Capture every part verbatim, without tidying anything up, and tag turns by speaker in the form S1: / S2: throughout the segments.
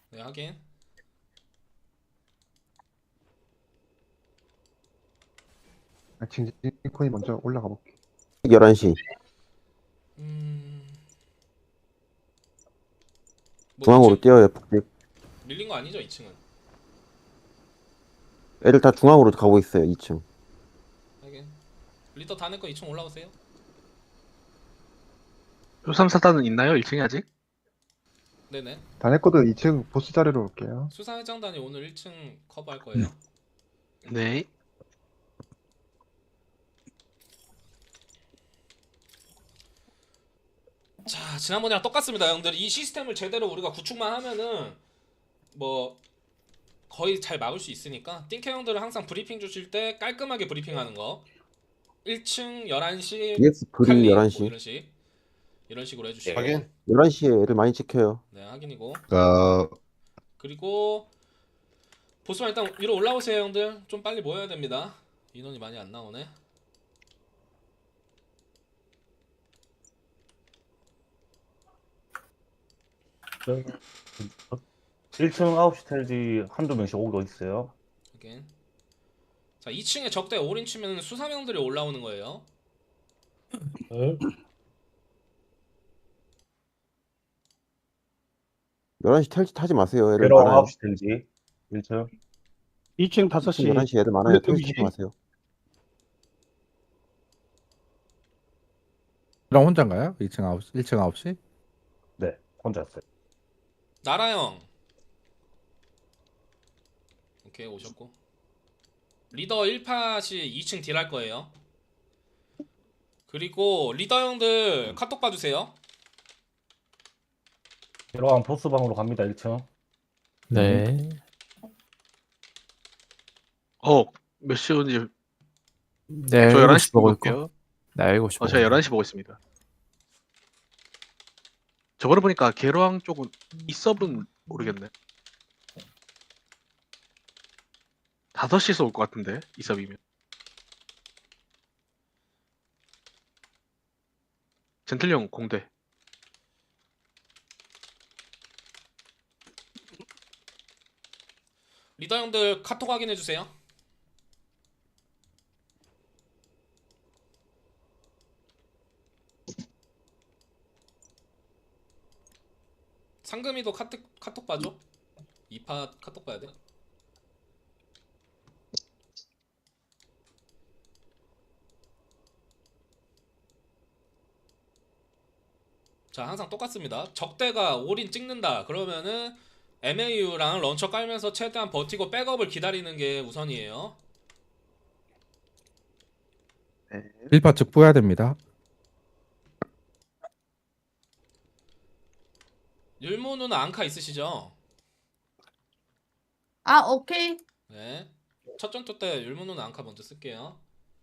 S1: 네, 확인.
S2: 아, 징징코인 먼저 올라가 볼게.
S3: 열한 시.
S1: 음, 뭐
S3: 중앙으로
S1: 이 층
S3: 뛰어요, 북집.
S1: 밀린 거 아니죠? 이 층은.
S3: 애들 다 중앙으로 가고 있어요, 이 층.
S1: 확인. 리더 다 내거 이 층 올라오세요.
S4: 요삼사단은 있나요? 일 층에 아직?
S1: 네네.
S2: 다네코드 이 층 보스 자리로 올게요.
S1: 수사회장단이 오늘 일 층 커버할 거예요.
S4: 네.
S1: 자, 지난번이랑 똑같습니다, 형들. 이 시스템을 제대로 우리가 구축만 하면은 뭐 거의 잘 막을 수 있으니까 띵캐 형들은 항상 브리핑 주실 때 깔끔하게 브리핑하는 거. 일 층 열한 시
S3: 디엑스 브리
S1: 칼리 뭐
S3: 열한 시.
S1: 이런 식 이런 식으로 해주시고.
S5: 확인.
S3: 열한 시에 애들 많이 찍혀요.
S1: 네, 확인이고.
S5: 어,
S1: 그리고 보스만 일단 위로 올라오세요, 형들. 좀 빨리 모여야 됩니다. 인원이 많이 안 나오네.
S6: 일 층 아홉 시 텔지 한두 명씩 오고 있어요.
S1: 확인. 자, 이 층에 적대 올인 치면 수사명들이 올라오는 거예요.
S3: 열한 시 탈지 타지 마세요. 애들
S6: 괴로워
S3: 많아요.
S6: 아홉 시 텔지 일 층.
S7: 이 층 다섯 시
S3: 열한 시 애들 많아요.
S7: 여기
S3: 탈지 타지 마세요.
S7: 랑 혼자인가요? 이 층 아홉 시, 일 층 아홉 시?
S6: 네, 혼자 있어요.
S1: 나라 형. 오케이, 오셨고. 리더 일 팟이 이 층 딜 할 거예요. 그리고 리더 형들 카톡 봐주세요.
S6: 괴로워 보스방으로 갑니다. 일 층.
S8: 네.
S4: 어, 몇 시 오는지
S8: 네,
S4: 저
S8: 일곱
S4: 열한
S8: 시
S4: 시
S8: 보고
S4: 볼게요.
S8: 있고. 네, 일곱 시
S4: 어,
S8: 보고
S4: 제가
S8: 있네요.
S4: 열한 시 보고 있습니다. 저번에 보니까 계로항 쪽은 이 서브는 모르겠네. 다섯 시에서 올 것 같은데 이 서브이면. 젠틀형 공대.
S1: 리더 형들 카톡 확인해 주세요. 상금이도 카톡 카톡 봐줘. 이 팟 카톡 봐야 돼. 자, 항상 똑같습니다. 적대가 올인 찍는다. 그러면은 엠에이유랑 런처 깔면서 최대한 버티고 백업을 기다리는 게 우선이에요.
S2: 네.
S7: 일 파 즉부해야 됩니다.
S1: 율무 누나 앙카 있으시죠?
S9: 아, 오케이.
S1: 네. 첫 전투 때 율무 누나 앙카 먼저 쓸게요.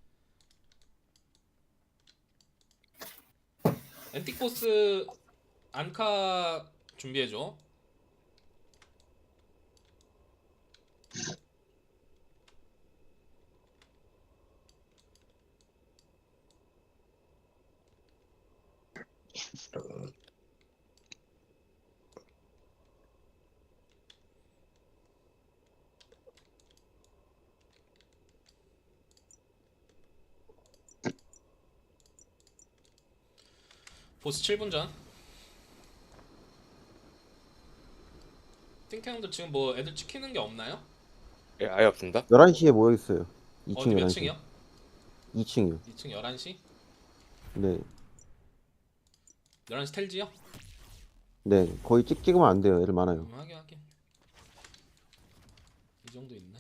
S1: 엔틱 보스 앙카 준비해줘. 보스 칠 분 전. 띵캐 형들 지금 뭐 애들 찍히는 게 없나요?
S5: 예, 아예 없습니다.
S3: 열한 시에 모여 있어요. 이 층
S1: 어디 몇
S3: 열한 시.
S1: 층이요?
S3: 이 층이요.
S1: 이 층 열한 시?
S3: 네.
S1: 열한 시 텔지요?
S3: 네. 거의 찍 찍으면 안 돼요. 애들 많아요.
S1: 음, 하긴 하긴. 이 정도 있네.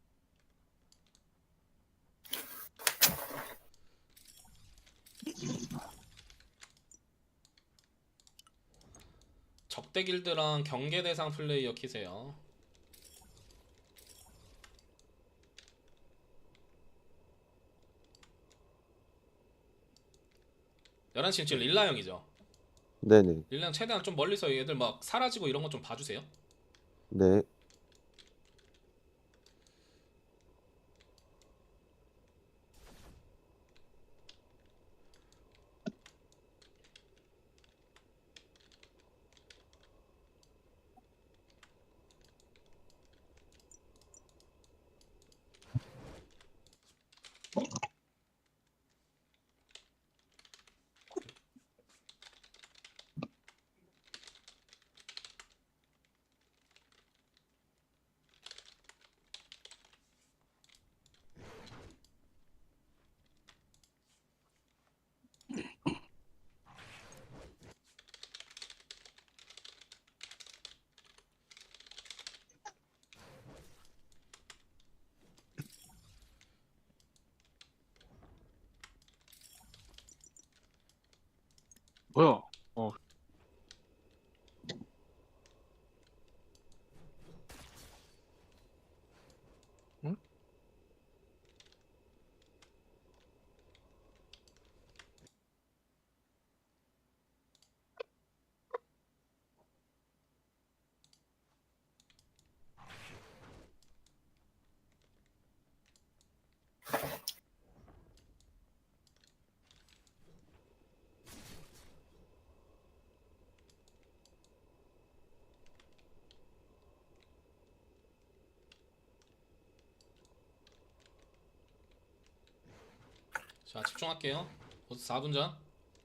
S1: 적대 길드랑 경계 대상 플레이어 키세요. 열한 시 지금 릴라 형이죠.
S3: 네네.
S1: 릴라 형 최대한 좀 멀리서 얘들 막 사라지고 이런 거 좀 봐주세요.
S3: 네.
S1: 자 집중할게요. 보스 사 분 전.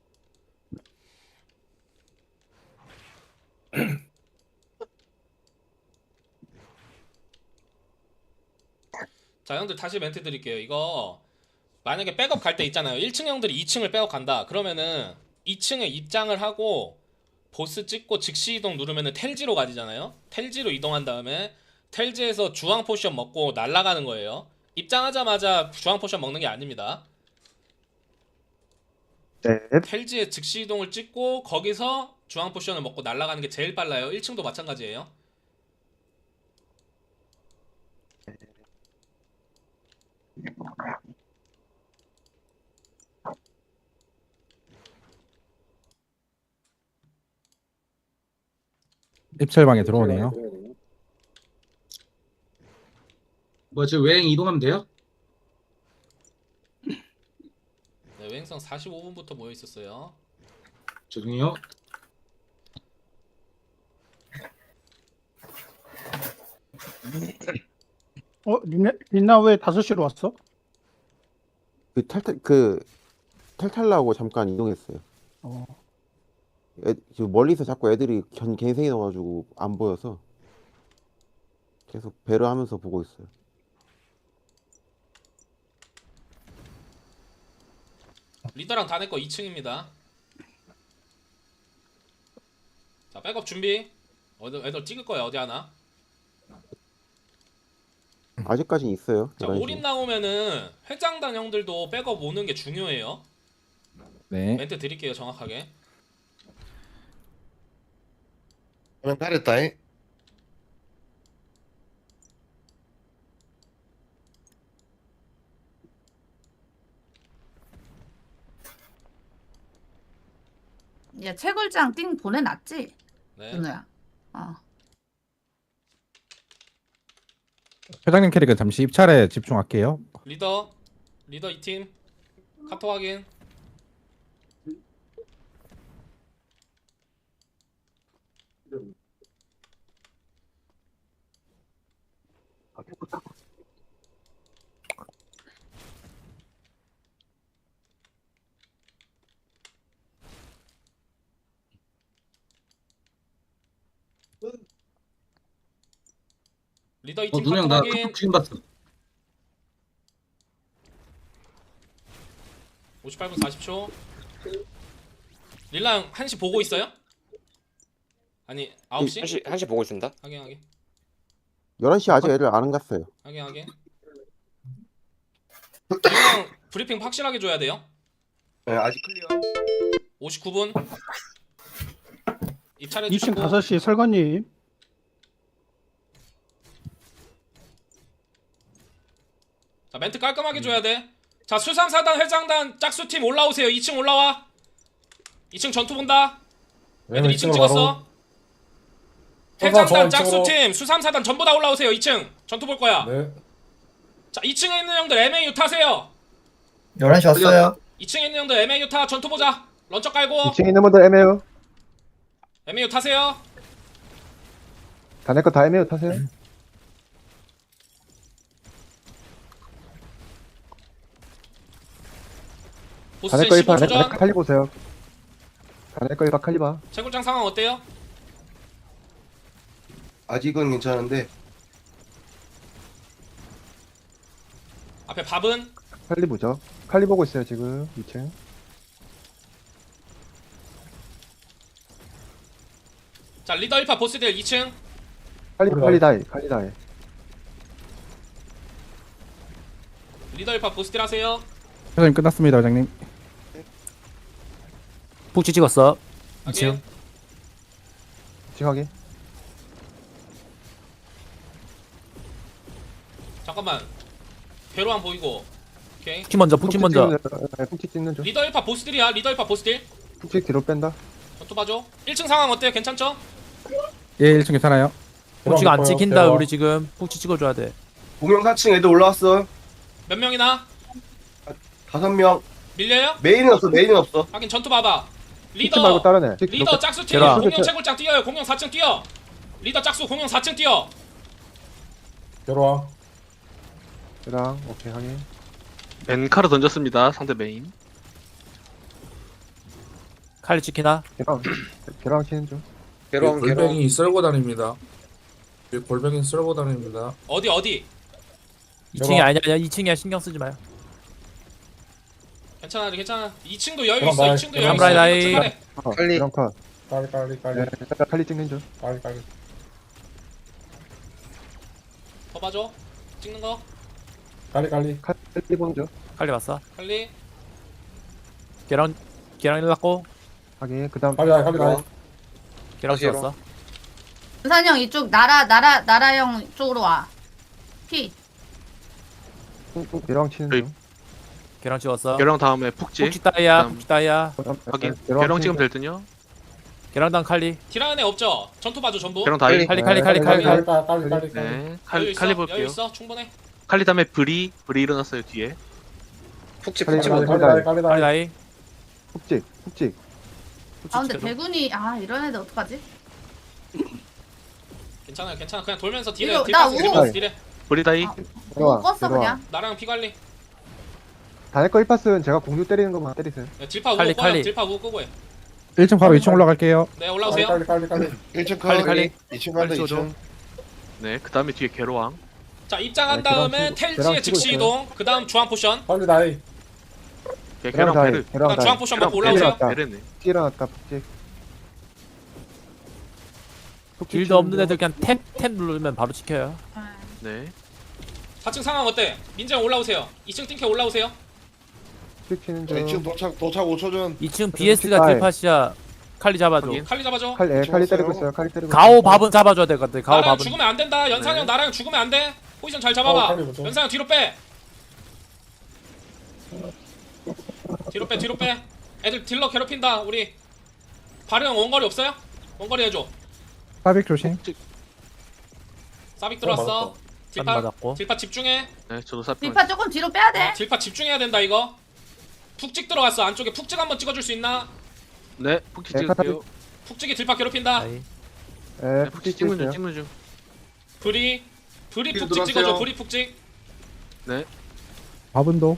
S1: 자 형들 다시 멘트 드릴게요. 이거 만약에 백업 갈 때 있잖아요. 일 층 형들이 이 층을 백업 간다. 그러면은 이 층에 입장을 하고 보스 찍고 즉시 이동 누르면은 텔지로 가지잖아요. 텔지로 이동한 다음에 텔지에서 주황 포션 먹고 날아가는 거예요. 입장하자마자 주황 포션 먹는 게 아닙니다.
S2: 네.
S1: 텔지에 즉시 이동을 찍고 거기서 주황 포션을 먹고 날아가는 게 제일 빨라요. 일 층도 마찬가지예요.
S7: 입철방에 들어오네요.
S5: 뭐 저 외행 이동하면 돼요?
S1: 네, 외행성 사십오 분부터 모여 있었어요.
S5: 죄송해요.
S9: 어, 리나, 리나 왜 다섯 시로 왔어?
S3: 그 탈탈 그 탈탈라고 잠깐 이동했어요.
S9: 어,
S3: 애, 지금 멀리서 자꾸 애들이 견 갱생이 나가지고 안 보여서 계속 배려하면서 보고 있어요.
S1: 리더랑 다 내 거 이 층입니다. 자 백업 준비. 어디 애들 찍을 거야 어디 하나.
S3: 아직까지는 있어요.
S1: 자
S3: 열한 시.
S1: 올인 나오면은 회장단 형들도 백업 오는 게 중요해요.
S7: 네.
S1: 멘트 드릴게요 정확하게.
S10: 그럼 가렸다잉.
S11: 얘 채굴장 띵 보내놨지?
S1: 네.
S11: 준우야. 어.
S7: 회장님 캐릭은 잠시 입찰에 집중할게요.
S1: 리더 리더 이 팀 카톡 확인. 리더 이
S5: 어
S1: 팀
S5: 누나
S1: 카톡
S5: 나
S1: 확인.
S5: 카톡 지금 봤어.
S1: 오십팔 분 사십 초. 릴라 형 한 시 보고 있어요? 아니 아홉 시?
S12: 한시 한시 보고 있습니다.
S1: 확인 확인
S3: 열한 시 아직 애들 안 갔어요.
S1: 확인 확인. 릴라 형 브리핑 확실하게 줘야 돼요.
S10: 네, 아직 클리어.
S1: 오십구 분 입찰해
S9: 이 층
S1: 주시고.
S9: 다섯 시 설관님.
S1: 자 멘트 깔끔하게 줘야 돼. 자 수삼사단 회장단 짝수팀 올라오세요. 이 층 올라와. 이 층 전투 본다. 애들 이 층 찍었어. 회장단 짝수팀 수삼사단 전부 다 올라오세요. 이 층 전투 볼 거야. 자 이 층에 있는 형들 엠에이유 타세요.
S10: 열한 시 왔어요.
S1: 이 층에 있는 형들 엠에이유 타. 전투 보자. 런처 깔고
S2: 이 층에 있는 분들 애매요.
S1: 엠에이유 타세요.
S2: 다 내 거 다 애매요. 타세요. 다 내
S1: 보스전
S2: 거
S1: 십오
S2: 일파
S1: 초
S2: 다 내
S1: 전.
S2: 거 칼리 보세요. 다 내 거 일파 칼리 봐.
S1: 채굴장 상황 어때요?
S10: 아직은 괜찮은데
S1: 앞에 밥은?
S2: 칼리 보죠. 칼리 보고 있어요 지금 이 층.
S1: 자 리더 일 파 보스들 이 층.
S2: 칼리 칼리 다이 칼리 다이.
S1: 리더 일 파 보스들 하세요.
S7: 회장님 끝났습니다, 회장님.
S8: 폭지 찍었어. 이
S1: 확인.
S8: 층.
S2: 지금 확인.
S1: 잠깐만 괴로움 보이고. 오케이.
S8: 폭지 먼저, 폭지 먼저.
S2: 푹치 찍는 중.
S1: 리더 일 파 보스들이야. 리더 일 파 보스들
S2: 푹치 뒤로 뺀다.
S1: 전투 봐줘. 일 층 상황 어때요? 괜찮죠?
S7: 예, 일 층 괜찮아요.
S8: 폭지가 안 찍힌다. 우리 지금 폭지 찍어줘야 돼.
S10: 공영 사 층 애들 올라왔어.
S1: 몇 명이나?
S10: 다섯 명.
S1: 밀려요?
S10: 메인은 없어. 메인은 없어.
S1: 확인 전투 봐봐.
S2: 푹치 말고
S1: 리더
S2: 다른 애.
S1: 리더 짝수 팀
S8: 제라.
S1: 공룡 채굴장 뛰어요. 공룡 사 층 뛰어. 리더 짝수 공룡 사 층 뛰어.
S2: 랑 오케이 확인.
S4: 엔카르 던졌습니다. 상대 메인.
S8: 칼리 지키나?
S2: 계랑 계랑 치는 중.
S10: 괴로운 괴로운.
S12: 쓸고 다닙니다. 골뱅이 쓸고 다닙니다.
S1: 어디 어디?
S8: 이 층이 아니야. 아니야. 이 층이야. 신경 쓰지 마요.
S1: 괜찮아 괜찮아. 이 층도 여유
S12: 그럼
S1: 있어.
S12: 나이,
S1: 이 층도
S8: 그럼
S1: 여유 있어.
S8: 나이,
S1: 이거
S8: 나이.
S1: 출발해.
S2: 컷.
S10: 칼리.
S2: 계랑 컷.
S12: 빨리 빨리 빨리
S2: 네, 칼리 찍는 중.
S12: 빨리 빨리.
S1: 더 봐줘. 찍는 거.
S12: 빨리 빨리.
S2: 칼리 보는 중.
S8: 칼리 봤어.
S1: 칼리.
S8: 계랑 계랑 일났고
S2: 확인. 그다음
S12: 빨리 빨리 빨리.
S8: 계랑 찍었어.
S11: 은산이 형 이쪽 나라 나라 나라 형 쪽으로 와. 피.
S2: 계랑 치는
S4: 저희-
S2: 중.
S8: 계랑 찍었어.
S4: 계랑 다음에 푹지.
S8: 푹지 따이야.
S4: 그다음-
S8: 푹지 따이야.
S2: 그다음
S4: 확인.
S2: 계랑
S4: 계랑
S2: 치는
S4: 찍으면
S2: 중.
S4: 될 듯요.
S8: 계랑 칼리.
S1: 딜하는 애 없죠? 전투 봐줘 전부.
S4: 계랑 다이.
S8: 칼리 칼리 칼리
S2: 네,
S8: 칼리.
S2: 칼리,
S12: 빨리 빨리 빨리 빨리.
S4: 네.
S1: 여유
S4: 칼리
S1: 있어.
S4: 칼리
S1: 여유
S4: 볼게요.
S1: 있어. 충분해.
S4: 칼리 다음에 브리 브리 일어났어요 뒤에.
S10: 푹치
S2: 칼리,
S10: 푹치.
S2: 칼리,
S12: 빨리
S2: 칼리.
S12: 빨리 빨리
S8: 칼리
S12: 빨리.
S8: 나이.
S2: 푹찍 푹찍.
S8: 푹지
S11: 아 근데
S8: 찍어줘.
S11: 대군이 아 이런 애들 어떡하지?
S1: 괜찮아 괜찮아. 그냥 돌면서 딜해.
S11: 이거
S1: 딜
S11: 나
S1: 파스
S11: 우-
S1: 들으면서 딜해.
S4: 브리 다이.
S11: 아.
S2: 내려와,
S11: 못 껐어
S2: 내려와.
S11: 그냥.
S1: 나랑 피 관리.
S2: 다닐 거 일 파스는 제가 공유 때리는 것만 때리세요.
S1: 네, 딜파 우고
S8: 칼리,
S1: 꺼요.
S8: 칼리.
S1: 딜파 우고 끄고 해.
S7: 일 층 바로 이 층 올라갈게요.
S1: 네
S12: 빨리
S1: 올라오세요.
S12: 빨리 빨리 빨리.
S10: 일 층
S8: 칼리,
S10: 컷.
S8: 칼리.
S10: 이 층
S8: 칼리
S10: 간다 이
S8: 찍어줘.
S10: 층.
S4: 네. 그 다음에 뒤에 계로왕.
S1: 자 입장한
S2: 네, 계란
S1: 다음에
S2: 치고-
S1: 텔지에
S2: 계란
S1: 즉시
S2: 치고
S1: 이동. 그 다음 주황 포션.
S12: 빨리 나이.
S4: 네,
S2: 계랑
S4: 계랑
S2: 다이.
S4: 베르.
S1: 그
S2: 계랑
S1: 다음
S2: 다이.
S1: 주황 포션 먹고
S4: 계랑
S1: 올라오세요.
S2: 베르.
S4: 베르네.
S2: 푹찍 일어났다. 푹찍. 푹찍
S8: 딜도
S2: 치는
S8: 없는
S2: 중.
S8: 애들 그냥 탭 탭 누르면 바로 지켜요.
S4: 네.
S1: 사 층 상황 어때? 민정 올라오세요. 이 층 띵캐 올라오세요.
S2: 푹찍 치는
S10: 자, 이 층
S2: 중.
S10: 도착 도착 오 초 전.
S8: 이 층 비에스가
S2: 다이.
S8: 딜팟이야. 칼리 잡아줘.
S4: 확인.
S1: 칼리 잡아줘.
S2: 칼, 예, 칼리
S10: 찍었어요.
S2: 때리고 있어요. 칼리 때리고.
S8: 가오
S2: 있어요.
S8: 밥은 잡아줘야 될 것 같아. 가오
S1: 나랑
S8: 밥은.
S1: 죽으면 안 된다. 연상 형
S4: 네.
S1: 나랑 죽으면 안 돼. 포지션 잘
S12: 어,
S1: 잡아봐.
S12: 칼리 보죠.
S1: 연상 형 뒤로 빼. 뒤로 빼 뒤로 빼. 애들 딜러 괴롭힌다. 우리 바르 형 원거리 없어요? 원거리 해줘.
S7: 사빅 조심.
S1: 사빅 들어왔어.
S12: 맞았다.
S8: 안
S1: 딜파
S8: 맞았고.
S1: 딜파 집중해.
S4: 네. 저도 사표.
S11: 딜파 조금 뒤로 빼야 돼.
S1: 딜파 집중해야 된다 이거. 푹찍 들어갔어. 안쪽에 푹찍 한번 찍어줄 수 있나?
S4: 네. 푹지
S2: 네,
S4: 찍을게요.
S1: 푹찍이 딜파 괴롭힌다.
S8: 나이.
S2: 예,
S4: 네.
S2: 푹찍
S4: 푹지 찍는 중
S2: 찍었어요.
S4: 찍는 중.
S1: 브리 브리
S10: 딜
S1: 푹찍
S10: 들어왔어요.
S1: 찍어줘. 브리 푹찍.
S4: 네.
S7: 밥은도.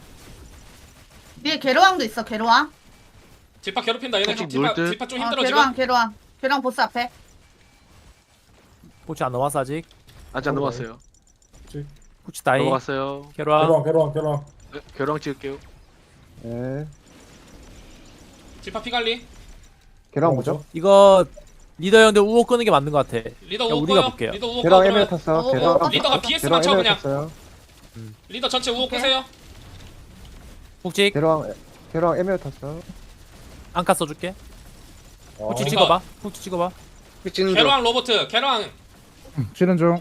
S11: 위에 괴로왕도 있어 괴로왕.
S1: 딜파 괴롭힌다. 얘네
S4: 푹찍
S1: 딜파
S4: 놀 듯.
S1: 딜파 좀
S11: 어,
S1: 힘들어
S11: 괴로왕
S1: 지금.
S11: 괴로왕. 괴로왕 보스 앞에.
S8: 푹지 안 넘어왔어 아직.
S4: 아직 안 넘어갔어요.
S8: 푹지 다이.
S4: 넘어갔어요.
S8: 계랑.
S12: 괴로운 괴로운 괴로운.
S4: 네. 계로왕 찍을게요.
S2: 예.
S1: 딜파 피 관리.
S2: 계랑 뭐죠?
S8: 이거 리더 형들 우호 끄는 게 맞는 것 같아.
S1: 리더
S8: 야,
S1: 우호
S8: 우리가
S1: 꺼요.
S8: 볼게요.
S1: 리더 우호 꺼
S2: 계랑 에메
S1: 그러면
S2: 탔어.
S11: 어,
S2: 계랑
S11: 어,
S1: 리더가 비에스만
S2: 계랑
S1: 쳐
S2: 에메
S1: 그냥.
S2: 탔어요.
S1: 리더 전체 우호
S11: 오케이.
S1: 끄세요.
S8: 푹지
S2: 계랑 계랑 에메 탔어.
S8: 안카 써줄게.
S12: 어.
S8: 푹지
S1: 이거.
S8: 찍어봐. 푹지 찍어봐.
S10: 찍는 중.
S1: 개로왕 로버트. 개로왕
S7: 치는 중.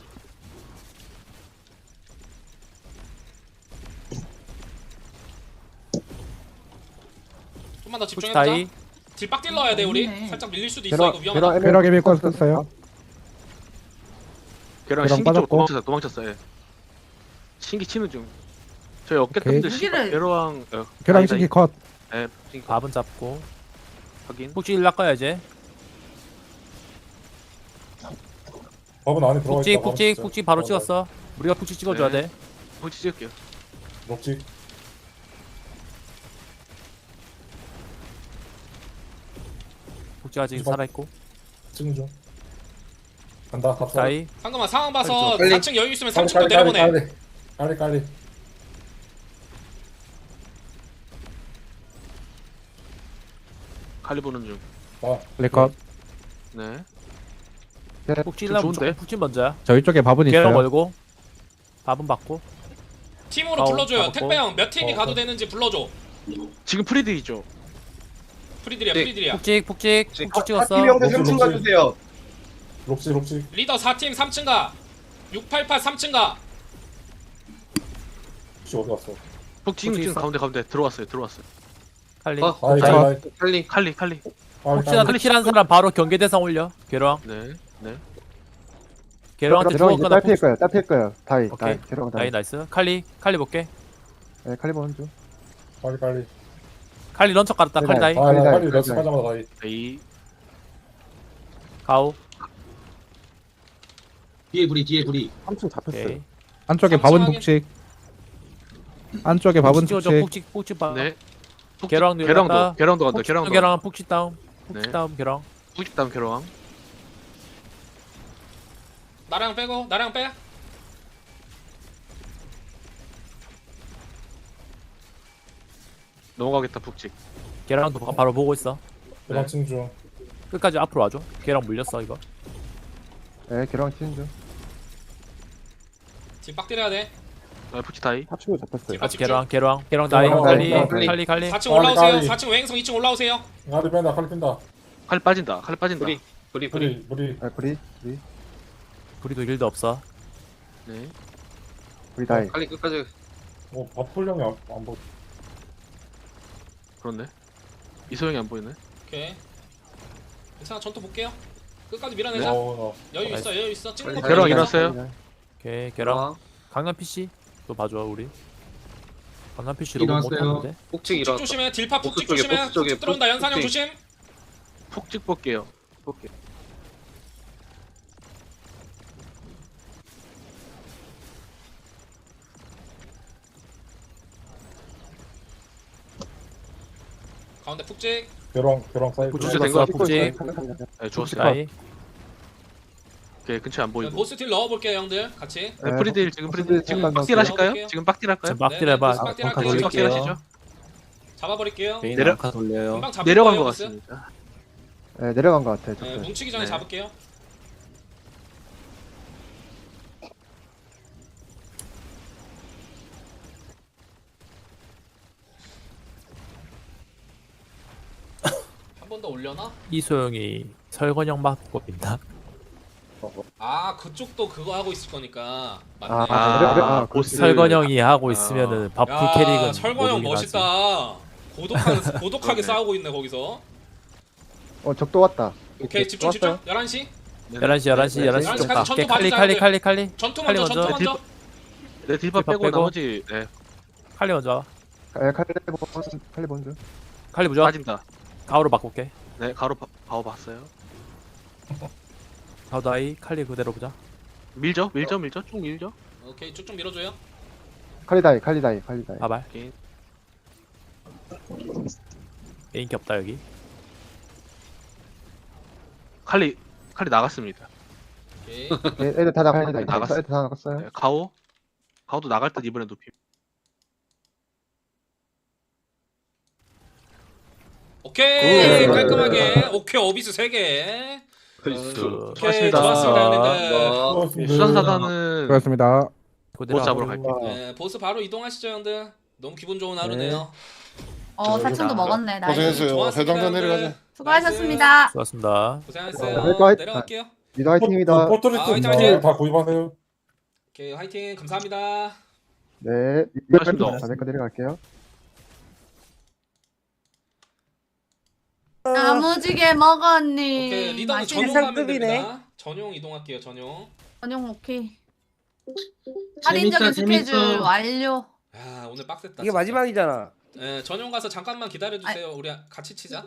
S1: 좀만 더
S8: 푹지
S1: 집중해보자.
S8: 다이.
S1: 딜 빡 딜러야 돼 우리.
S11: 없네.
S1: 살짝 밀릴 수도 있어.
S2: 계랑
S1: 이거 위험하다.
S2: 계랑 에메
S7: 계rak 에메
S2: 탔어.
S7: 껐었어요.
S4: 계랑
S7: 계랑
S4: 신기 쪽으로
S7: 빠졌고.
S4: 도망쳤어. 도망쳤어. 예. 신기 치는 중. 저희 어깨
S7: 오케이.
S4: 뜸들
S11: 무기를-
S4: 계로왕. 어,
S7: 계랑
S4: 다이,
S7: 신기
S4: 다이.
S7: 컷.
S4: 네. 신기
S8: 밥은 잡고.
S4: 확인.
S8: 푹지 일 낚아야 이제.
S12: 법은 안에 들어가
S8: 푹지
S12: 있다.
S8: 푹지 푹지 바로 찍었어. 우리가 푹지 찍어줘야
S4: 네.
S8: 돼.
S4: 푹지 찍을게요.
S12: 녹지.
S8: 푹지 아직
S12: 푹지 봐.
S8: 살아있고.
S12: 찍는 중. 간다. 갑사.
S8: 다이.
S1: 상금아 상황 봐서
S10: 빨리.
S1: 사 층 여유 있으면 삼
S12: 빨리
S1: 층도
S12: 빨리 빨리
S1: 내려보내.
S12: 빨리 빨리 빨리.
S4: 칼리 보는 중.
S12: 나.
S7: 레컷.
S4: 네.
S8: 푹지
S4: 좀
S8: 일라
S4: 좋은데?
S8: 푹지 먼저야.
S7: 저희 쪽에 밥은
S8: 계랑
S7: 있어요.
S8: 멀고. 밥은 받고.
S1: 팀으로
S8: 아우,
S1: 불러줘요.
S8: 가봤고.
S1: 택배 형 몇 팀이
S12: 어,
S1: 가도
S12: 어.
S1: 되는지 불러줘.
S4: 지금 프리드이죠.
S1: 프리들이야
S10: 네.
S1: 프리들이야.
S8: 푹지 푹지 푹지 찍었어.
S10: 팀 형들
S12: 녹지,
S10: 삼 층
S12: 녹지.
S10: 가주세요.
S12: 녹지 녹지.
S1: 리더 사 팀 삼 층 가. 육팔팔 삼 층 가.
S12: 혹시 어디 갔어?
S4: 푹지 지금
S8: 있어?
S4: 가운데 가운데 들어왔어요. 들어왔어요.
S8: 칼리.
S10: 어.
S12: 다이
S8: 다이.
S12: 다이 다이.
S10: 칼리.
S4: 칼리 칼리.
S12: 빨리
S8: 혹시나
S12: 빨리.
S8: 킬한 사람 바로 경계 대상 올려. 계랑.
S4: 네. 네.
S8: 계랑한테
S2: 계랑 이제
S8: 죽었거나
S2: 딸필 거예요. 딸필 거예요. 다이
S8: 오케이.
S2: 다이 계랑
S8: 다이
S2: 다이.
S8: 나이스. 칼리 칼리 볼게.
S2: 예, 칼리 보는 중.
S12: 빨리 빨리.
S8: 칼리 런처 깔았다. 칼리 다이.
S2: 네,
S12: 아, 나
S2: 다이,
S12: 빨리
S2: 다이.
S12: 연습하자마자 다이.
S4: 에이.
S8: 가오.
S5: 뒤에 구리 뒤에 구리.
S3: 삼 층 잡혔어요.
S8: 오케이.
S7: 안쪽에
S1: 삼 층
S7: 밥은
S1: 확인.
S7: 북식. 안쪽에 밥은
S8: 푹 찍어줘.
S7: 축제.
S8: 푹찍 푹찍 봐.
S4: 네. 푹찍-
S8: 계랑
S4: 계랑도
S8: 늘렸다.
S4: 계랑도 간다.
S8: 푹찍
S4: 계랑도.
S8: 계랑 푹찍 다운. 푹찍
S4: 네.
S8: 다운 계랑.
S4: 푹찍 다음 계랑.
S1: 나랑 빼고 나랑 빼.
S4: 넘어가겠다 푹찍.
S8: 계랑도 바- 바로 보고 있어.
S12: 계란 치는 중.
S8: 끝까지 앞으로 와줘. 계랑 물렸어 이거.
S2: 네, 계랑 치는 중.
S1: 지금 빡 때려야 돼.
S4: 아, 푹찍 다이.
S3: 합치고 잡혔어요.
S1: 지금
S8: 같이
S1: 집중.
S8: 계랑 계랑 계랑 다이.
S12: 계랑
S8: 칼리
S12: 다이.
S8: 칼리 칼리.
S1: 사 층
S12: 빨리,
S1: 올라오세요.
S12: 빨리.
S1: 사 층 외행성 이 층 올라오세요.
S12: 칼리 뺀다. 칼리 뺀다.
S4: 칼 빠진다. 칼 빠진다.
S10: 뿌리 뿌리 뿌리.
S12: 우리 우리
S2: 네, 브리, 브리,
S8: 우리도 일도 없어.
S4: 네.
S2: 브리 다이.
S10: 칼리 끝까지.
S12: 뭐 바풀령이 안, 안 보.
S4: 그렇네. 이소영이 안 보이네.
S1: 오케이. 괜찮아. 전투 볼게요. 끝까지 밀어내자.
S12: 어,
S1: 여유 있어. 여유 있어. 찍는 거
S10: 계랑
S1: 보여줘.
S4: 일어났어요.
S8: 오케이 계랑.
S10: 계랑.
S8: 강남 피씨 또 봐줘 우리. 강남 피씨로 못
S5: 일어났어요.
S8: 하는데.
S10: 폭직
S1: 푹찍
S10: 일어났다.
S1: 조심해. 딜파
S10: 보스
S1: 푹찍
S10: 쪽에,
S1: 조심해.
S10: 보스 쪽에,
S1: 푹찍 들어온다.
S10: 보스
S1: 연산형
S10: 쪽에.
S1: 조심.
S4: 푹찍 볼게요. 볼게.
S1: 가운데 푹찍.
S12: 계랑 계랑 사이드.
S4: 주제 된 거야.
S8: 푹찍.
S4: 네, 주웠어요.
S8: 다이.
S4: 오케이, 근처에 안 보이고.
S1: 보스 딜 넣어볼게요 형들. 같이.
S4: 네, 프리딜 지금
S2: 보스
S4: 프리딜
S2: 딜
S4: 지금
S2: 잠깐
S4: 빡딜
S2: 넣을게요.
S4: 하실까요? 지금 빡딜 할까요?
S8: 지금 빡딜
S1: 네,
S8: 해봐.
S1: 보스 빡딜 할게요.
S8: 벙커
S4: 빡딜
S8: 돌릴게요.
S4: 하시죠.
S1: 잡아버릴게요.
S4: 내려
S8: 돌려요.
S1: 금방 잡을
S4: 내려간
S1: 거예요,
S4: 것
S1: 보스.
S4: 같습니다.
S2: 네, 내려간 것 같아요.
S1: 네,
S2: 저
S1: 뭉치기 전에
S4: 네.
S1: 잡을게요. 한 번 더 올려나?
S8: 이소영이 설건영 맞고 있나?
S1: 아 그쪽도 그거 하고 있을 거니까 맞네.
S2: 아,
S4: 아,
S2: 내려- 내려- 아,
S4: 보스.
S8: 설건영이 하고
S4: 아.
S8: 있으면은 바풀
S1: 야,
S8: 캐릭은
S1: 설건형
S8: 못 오긴 하지.
S1: 멋있다. 고독한 고독하게
S4: 그러네.
S1: 싸우고 있네 거기서.
S2: 어, 적도 왔다.
S1: 오케이 집중 집중.
S2: 왔어요.
S1: 열한 시.
S8: 열한 시 열한 시
S2: 네,
S8: 열한 시
S1: 열한
S8: 좀
S1: 시까지
S8: 가.
S1: 전투
S8: 칼리
S1: 봐주자,
S8: 칼리
S1: 형들.
S8: 칼리 칼리
S1: 전투
S8: 칼리
S1: 먼저 전투
S8: 먼저.
S1: 먼저.
S4: 네, 딜파
S8: 딜파
S4: 빼고
S8: 빼고.
S4: 나머지 네,
S8: 칼리 먼저. 와.
S2: 네, 칼리본, 칼리본 중.
S8: 칼리 무적.
S4: 빠진다.
S8: 가오로 바꿀게.
S4: 네, 가로 바, 바오 봤어요.
S8: 가오 다이 칼리 그대로 보자.
S4: 밀죠, 밀죠, 밀죠, 쭉 밀죠.
S1: 오케이 쭉쭉 밀어줘요.
S2: 칼리 다이, 칼리 다이, 칼리 다이.
S8: 바발.
S4: 오케이.
S8: 인기 없다 여기.
S4: 칼리 칼리 나갔습니다.
S1: 오케이.
S2: 네, 애들 다 나갔어요. 애들
S4: 나갔어.
S2: 다 나갔어요.
S4: 네, 가오 가오도 나갈 듯 이번엔 높임.
S1: 오케이
S2: 굿.
S1: 깔끔하게. 오케이 어비스 세 개.
S8: 그
S1: 오케이
S4: 좋았습니다.
S1: 좋았습니다 형님들.
S12: 어,
S4: 수산사단은
S7: 수고하셨습니다.
S8: 그대로
S4: 보스 잡으러
S8: 하고.
S4: 갈게요.
S1: 네, 보스 바로 이동하시죠 형들. 너무 기분 좋은 하루네요.
S11: 어 사층도 먹었네. 나이.
S10: 고생했어요.
S1: 좋았습니다,
S10: 대장전
S1: 형들.
S10: 내려가자.
S11: 수고하셨습니다.
S8: 수고하셨습니다.
S1: 고생하셨어요.
S2: 네, 화이팅.
S1: 내려갈게요.
S2: 리더 화이팅입니다.
S12: 포토리스
S1: 아, 화이팅, 화이팅.
S12: 다 구입하세요.
S1: 오케이 화이팅 감사합니다.
S2: 네,
S4: 수고하셨습니다.
S2: 자네까 내려갈게요.
S11: 야무지게 먹었니?
S1: 오케이 리더는
S11: 맛있는
S1: 전용 가면 됩니다. 전용 이동할게요 전용.
S11: 전용 오케이. 할인적인
S5: 재밌다,
S11: 스케줄
S5: 재밌어.
S11: 완료.
S1: 야 오늘 빡셌다.
S10: 이게
S1: 진짜.
S10: 마지막이잖아.
S1: 네 전용 가서 잠깐만 기다려 주세요. 우리 같이 치자.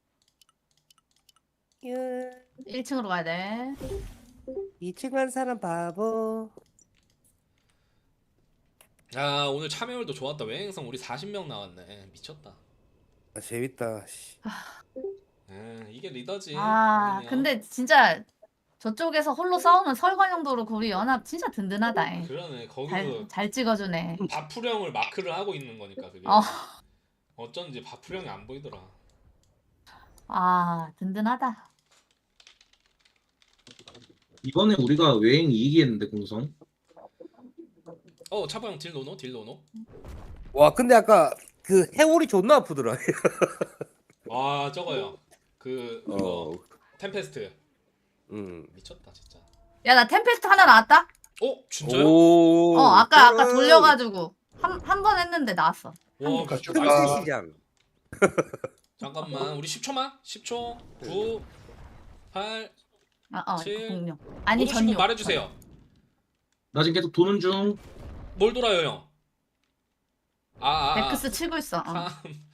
S11: 일 층으로 가야 돼.
S10: 이 층 간 사람 바보.
S1: 야 오늘 참여율도 좋았다. 외행성 우리 사십 명 나왔네. 미쳤다.
S10: 아, 재밌다.
S1: 에 이게 리더지.
S11: 아
S1: 당연히요.
S11: 근데 진짜 저쪽에서 홀로 싸우면 설관형도 그렇고 우리 연합 진짜 든든하다. 잉.
S1: 그러네 거기서
S11: 잘, 잘 찍어주네.
S1: 바풀형을 마크를 하고 있는 거니까 그게.
S11: 어.
S1: 어쩐지 바풀형이 안 보이더라.
S11: 아 든든하다.
S5: 이번에 우리가 외행 이기겠는데 공성.
S1: 어 차보형 딜 노노 딜 노노.
S10: 와 근데 아까 그 해골이 존나 아프더라.
S1: 아 저거요. 그 이거
S10: 어.
S1: 템페스트.
S10: 음.
S1: 미쳤다 진짜.
S11: 야 나 템페스트 하나 나왔다.
S1: 어 진짜요?
S10: 오.
S11: 어 아까 아까 돌려가지고 한 한 번 했는데 나왔어.
S1: 와
S12: 그
S1: 진짜
S10: 큰
S1: 나이스.
S10: 시장.
S1: 잠깐만 우리 십 초만. 십 초. 구. 팔.
S11: 아어
S1: 칠.
S11: 공룡. 아니
S1: 모두 신고
S11: 전용.
S1: 말해주세요.
S5: 나 지금 계속 도는 중.
S1: 뭘 돌아요 형? 아, 아, 아.
S11: 백크스 치고 있어. 어.
S1: 삼.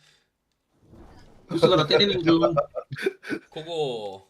S5: 보스가 나 때리는 중.
S1: 그거.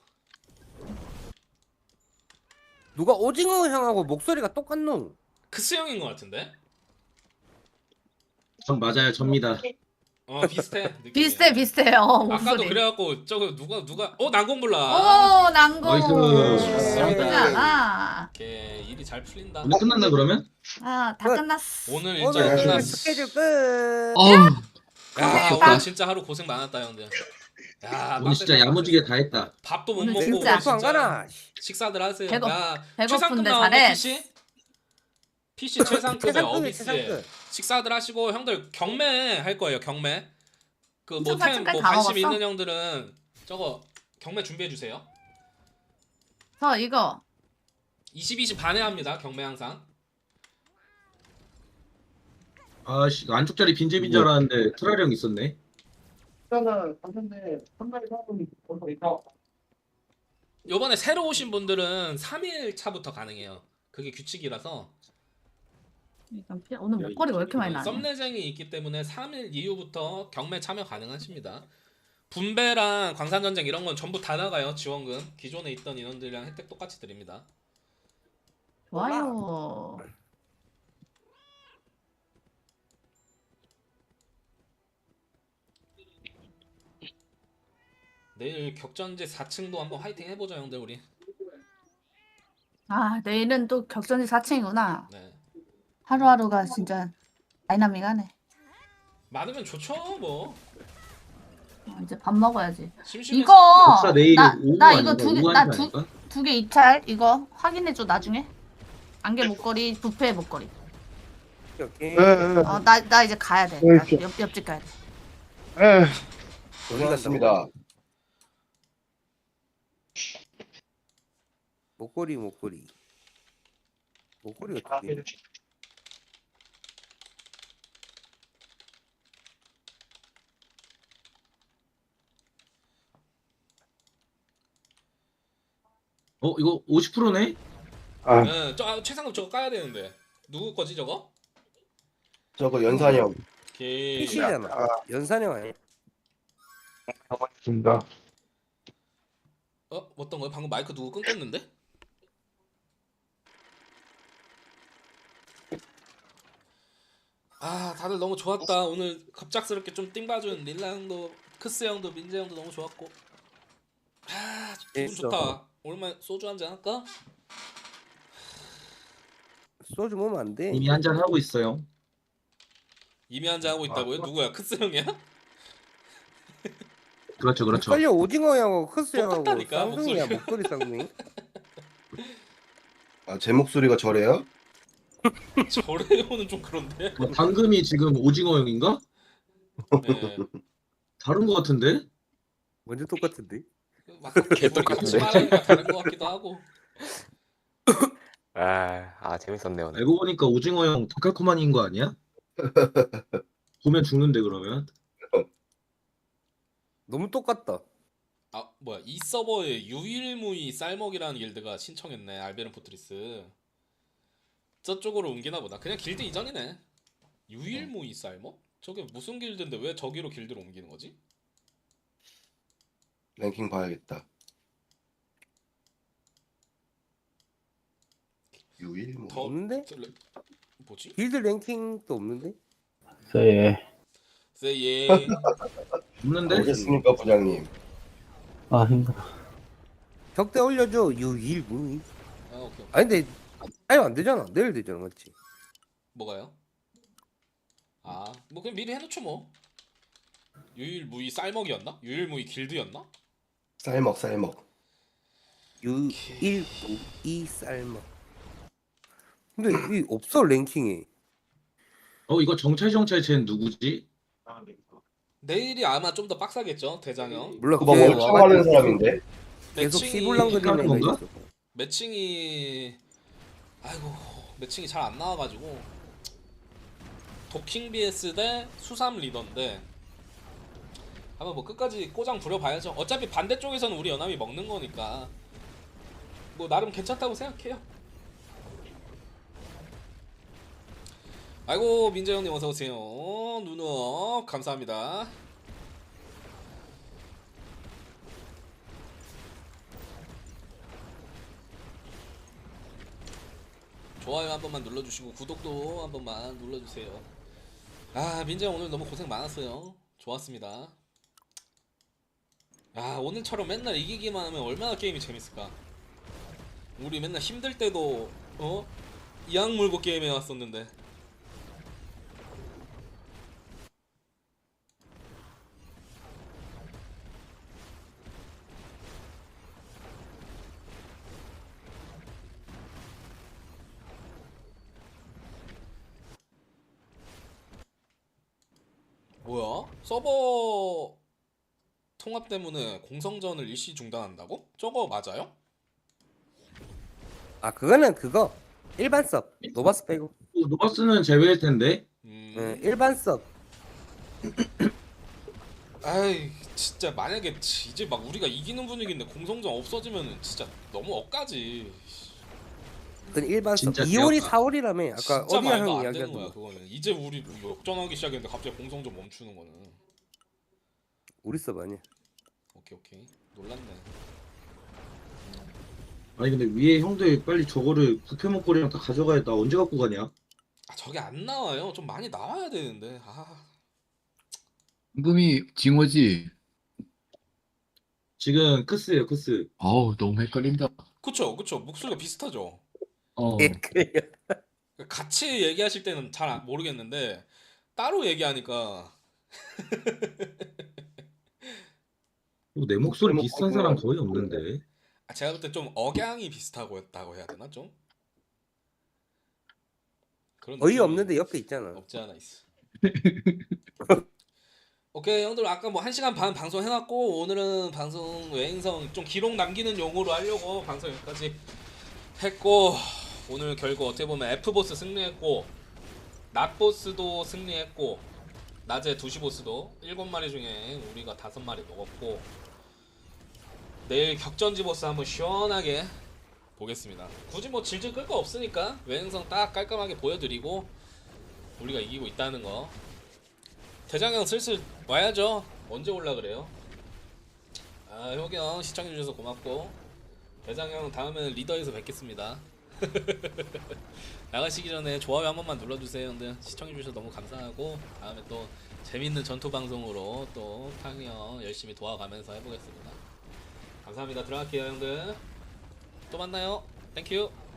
S10: 누가 오징어 향하고 목소리가 똑같노?
S1: 크스 형인 것 같은데?
S5: 전 맞아요. 접니다.
S1: 어 비슷해. 느낌이.
S11: 비슷해 비슷해요
S1: 아까도
S11: 목소리.
S1: 그래갖고 저거 누가 누가 어 난공불라.
S11: 오 난공.
S5: 나이스.
S11: 나쁘지 않아.
S1: 이렇게 일이 잘 풀린다.
S5: 오늘 끝났나 그러면?
S11: 아다 끝났어.
S1: 오늘
S10: 오늘
S1: 일정
S10: 그
S1: 끝났어.
S10: 스케줄 끝.
S5: 어우,
S1: 야
S11: 고생했다.
S1: 오늘 진짜 하루 고생 많았다 형들. 야
S5: 오늘 진짜
S1: 빡셌다,
S5: 야무지게 다 했다.
S1: 빡셌어. 밥도 못
S11: 오늘
S1: 먹고
S11: 진짜.
S10: 또 안 가나?
S1: 식사들 하세요.
S11: 배고-
S1: 야
S11: 배고픈데
S1: 최상급 나오네
S11: 잘해.
S1: 피씨. 피씨 최상급의
S10: 최상급이
S1: 어비스에
S10: 최상급.
S1: 식사들 하시고 형들 경매 할 거예요 경매. 그 뭐
S11: 삼천
S1: 템 뭐
S11: 사천까지 다
S1: 관심
S11: 먹었어?
S1: 있는 형들은 저거 경매 준비해 주세요.
S11: 저 이거
S1: 이십 이십 반에 합니다 경매 항상.
S5: 아씨 안쪽 자리 빈집인 줄 알았는데 트라리 형 있었네.
S9: 일단은 갔는데 한 마리 사람이 벌써 있다.
S1: 요번에 새로 오신 분들은 삼 일 차부터 가능해요. 그게 규칙이라서
S11: 일단 피- 오늘 목걸이가 왜 이렇게 많이 나냐?
S1: 썸내쟁이 있기 때문에 삼 일 이후부터 경매 참여 가능하십니다. 분배랑 광산전쟁 이런 건 전부 다 나가요. 지원금 기존에 있던 인원들이랑 혜택 똑같이 드립니다.
S11: 좋아요.
S1: 내일 격전지 사 층도 한번 화이팅 해보죠 형들 우리.
S11: 아 내일은 또 격전지 사 층이구나.
S1: 네.
S11: 하루하루가 진짜 다이나믹하네.
S1: 많으면 좋죠 뭐.
S11: 어, 이제 밥 먹어야지.
S1: 심심해.
S11: 이거
S5: 복사 내일
S11: 나,
S5: 오후
S11: 나
S5: 아닌가?
S11: 이거 두 개
S5: 오후
S11: 나
S5: 한 시
S11: 두
S5: 아닌가?
S11: 두 개 입찰 이거 확인해줘 나중에. 안개 목걸이 부페 목걸이.
S10: 오케이.
S11: 어 나 나 이제 가야 돼. 나 옆, 옆집 가야 돼.
S10: 고생하셨습니다. 목걸이 목걸이. 목걸이가 두 개.
S5: 어 이거 오십 퍼센트네?
S1: 네, 저 아, 최상급 저거 까야 되는데 누구 거지 저거?
S10: 저거 연산이 형.
S1: 오케이.
S10: 피시잖아. 연산이 형 아니야?
S7: 맞습니다.
S1: 어 어떤 거요? 방금 마이크 누구 끊겼는데? 아 다들 너무 좋았다. 오늘 갑작스럽게 좀 띵봐준 릴라 형도 크스 형도 민재 형도 너무 좋았고. 아 기분
S10: 재밌어.
S1: 좋다. 오랜만에 소주 한잔 할까?
S10: 소주 먹으면 안 돼.
S5: 이미 한잔 하고 있어요.
S1: 이미 한잔 하고 있다고요? 누구야? 크스 형이야?
S5: 그렇죠, 그렇죠.
S10: 헷갈려 오징어 형하고 크스 형하고
S1: 똑같다니까,
S10: 쌍둥이야
S1: 목소리가.
S10: 목소리 쌍둥이.
S13: 아, 제 목소리가 저래요?
S1: 저래요는 좀 그런데.
S5: 어, 방금이 지금 오징어 형인가?
S1: 네.
S5: 다른 거 같은데?
S10: 완전 똑같은데.
S1: 막 개돌이 같이 말하니까 다른 거 같기도 하고.
S8: 아, 아 재밌었네요. 오늘.
S5: 알고 보니까 오징어 형 도칼코만인 거 아니야? 보면 죽는데 그러면?
S10: 너무 똑같다.
S1: 아 뭐야 이 서버에 유일무이 쌀먹이라는 길드가 신청했네. 알베른 포트리스 저쪽으로 옮기나 보다. 그냥 길드 이전이네. 유일무이 쌀먹? 저게 무슨 길드인데 왜 저기로 길드로 옮기는 거지?
S13: 랭킹 봐야겠다. 유일 뭐.
S1: 더
S10: 없는데?
S1: 들- 뭐지?
S10: 길드 랭킹도 없는데?
S9: 네.
S1: 세예.
S5: 없는데?
S13: 알겠습니까, 부장님?
S9: 아 힘들어.
S10: 격대 올려줘. 유일무이.
S1: 아 오케이.
S10: 아니 근데 아니 안 되잖아. 내일 되잖아, 맞지?
S1: 뭐가요? 아 뭐 그냥 미리 해놓죠 뭐. 유일무이 쌀먹이었나? 유일무이 길드였나?
S13: 쌀먹, 쌀먹.
S10: 유일무이 쌀먹. 근데 이 없어 랭킹에.
S5: 어 이거 정찰 정찰 쟤는 누구지?
S1: 내일이 아마 좀 더 빡사겠죠 대장형.
S10: 몰라.
S13: 그거
S10: 걔
S13: 월참 하는 사람인데?
S10: 계속
S1: 매칭이-
S10: 시블랑 그리는
S5: 하는
S10: 애가
S5: 건가?
S10: 있어.
S1: 매칭이 아이고 매칭이 잘 안 나와가지고 도킹 비에스 대 수삼 리더인데 한번 뭐 끝까지 꼬장 부려봐야죠. 어차피 반대쪽에서는 우리 연합이 먹는 거니까 뭐 나름 괜찮다고 생각해요. 아이고 민재 형님 어서 오세요. 누누 감사합니다. 좋아요 한 번만 눌러주시고 구독도 한 번만 눌러주세요. 아 민재 형 오늘 너무 고생 많았어요. 좋았습니다. 아 오늘처럼 맨날 이기기만 하면 얼마나 게임이 재밌을까. 우리 맨날 힘들 때도 어? 이악 물고 게임해 왔었는데. 뭐야? 서버 통합 때문에 공성전을 일시 중단한다고? 저거 맞아요?
S10: 아 그거는 그거 일반 섭 노바스 빼고.
S5: 어, 노바스는 제외일 텐데.
S1: 음.
S10: 응, 일반 섭.
S1: 아이 진짜 만약에 이제 막 우리가 이기는 분위기인데 공성전 없어지면은 진짜 너무 억까지.
S10: 그건 일반 섭.
S5: 진짜
S10: 이월이
S5: 귀엽다.
S10: 사월이라며 아까
S1: 진짜
S10: 어디야
S1: 말도
S10: 형이
S1: 안
S10: 이야기하던
S1: 되는 거야
S10: 거.
S1: 그거는. 이제 우리 역전하기 시작했는데 갑자기 공성전 멈추는 거는.
S10: 우리 섭 아니야.
S1: 오케이 오케이 놀랐네.
S5: 아니 근데 위에 형들 빨리 저거를 포켓몬 꼴이랑 다 가져가야 나 언제 갖고 가냐?
S1: 아 저게 안 나와요. 좀 많이 나와야 되는데. 아
S12: 임금이 징어지.
S5: 지금 크스예요 크스.
S12: 아우 너무 헷갈린다.
S1: 그쵸 그쵸 목소리가 비슷하죠.
S12: 어.
S10: 예, 그래요.
S1: 같이 얘기하실 때는 잘 안- 모르겠는데 따로 얘기하니까.
S5: 어, 내 목소리 비슷한 사람 거의 없는데.
S1: 아, 제가 볼 때 좀 억양이 비슷하고 했다고 해야 되나 좀? 그런
S10: 어이
S1: 느낌이
S10: 없는데 옆에 있잖아.
S1: 없지 않아 있어. 오케이 형들 아까 뭐 한 시간 반 방송 해놨고 오늘은 방송 외행성 좀 기록 남기는 용으로 하려고 방송 여기까지 했고 오늘 결국 어떻게 보면 F보스 승리했고 낮보스도 승리했고 낮에 두 시 보스도 일곱 마리 중에 우리가 다섯 마리 먹었고 내일 격전지 보스 한번 시원하게 보겠습니다. 굳이 뭐 질질 끌 거 없으니까 외행성 딱 깔끔하게 보여드리고 우리가 이기고 있다는 거. 대장형 슬슬 와야죠. 언제 올라 그래요? 아 효경 시청해주셔서 고맙고 대장형 다음에는 리더에서 뵙겠습니다. 나가시기 전에 좋아요 한 번만 눌러주세요 형들. 시청해주셔서 너무 감사하고 다음에 또 재밌는 전투 방송으로 또 탕이 형 열심히 도와가면서 해보겠습니다. 감사합니다. 들어갈게요 형들. 또 만나요. 땡큐.